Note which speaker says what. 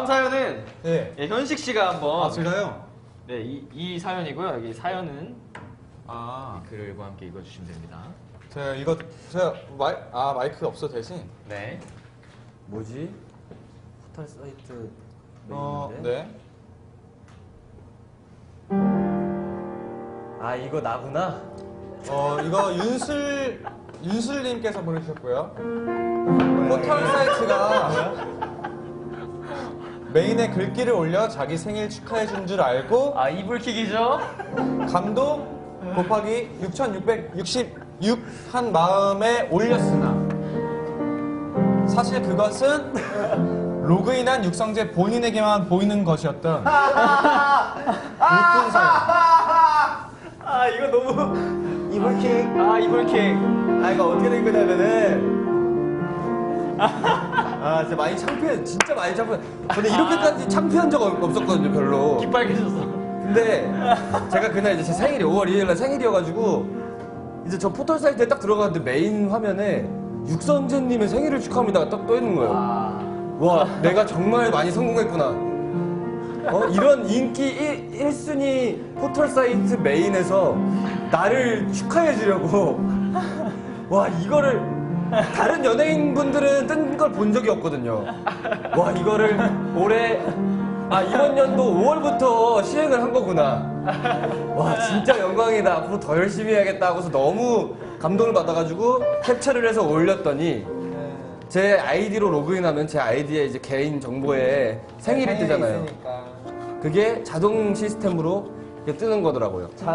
Speaker 1: 사연은
Speaker 2: 네.
Speaker 1: 예, 현식 씨가 한번.
Speaker 2: 아, 제가요?
Speaker 1: 네, 이 사연이고요. 여기 사연은
Speaker 2: 아,
Speaker 1: 글과 함께 읽어주시면 됩니다.
Speaker 2: 제가 마이크 없어 대신?
Speaker 1: 네.
Speaker 3: 뭐지? 포털 사이트
Speaker 2: 네.
Speaker 3: 아 이거 나구나.
Speaker 2: 이거 윤슬님께서 보내주셨고요. 포털 사이트가 메인에 글귀를 올려 자기 생일 축하해준 줄 알고
Speaker 1: 아, 이불킥이죠?
Speaker 2: 감동 곱하기 6666 한 마음에 올렸으나 사실 그것은 로그인한 육성재 본인에게만 보이는 것이었던 웃픈 사연.
Speaker 3: 아 이거 너무 이불킥.
Speaker 1: 아, 이불킥.
Speaker 3: 아 이거 어떻게 된 거냐면은 아 진짜 많이 창피해. 진짜 많이 창피해. 근데 이렇게까지 창피한 적 없었거든요 별로.
Speaker 1: 깃발개졌어.
Speaker 3: 근데 제가 그날 이제 제 생일이 5월 2일 날 생일이어가지고 이제 저 포털 사이트에 딱 들어갔는데 메인 화면에 육성재님의 생일을 축하합니다가 딱 떠 있는 거예요. 와 내가 정말 많이 성공했구나. 이런 인기 1순위 포털 사이트 메인에서 나를 축하해 주려고 와 이거를 다른 연예인분들은 뜬 걸 본 적이 없거든요. 와 이거를 올해 이번 연도 5월부터 시행을 한 거구나. 와 진짜 영광이다. 앞으로 더 열심히 해야겠다 하고서 너무 감동을 받아가지고 캡처를 해서 올렸더니 제 아이디로 로그인하면 제 아이디에 이제 개인 정보에 생일이 뜨잖아요. 그게 자동 시스템으로 이렇게 뜨는 거더라고요.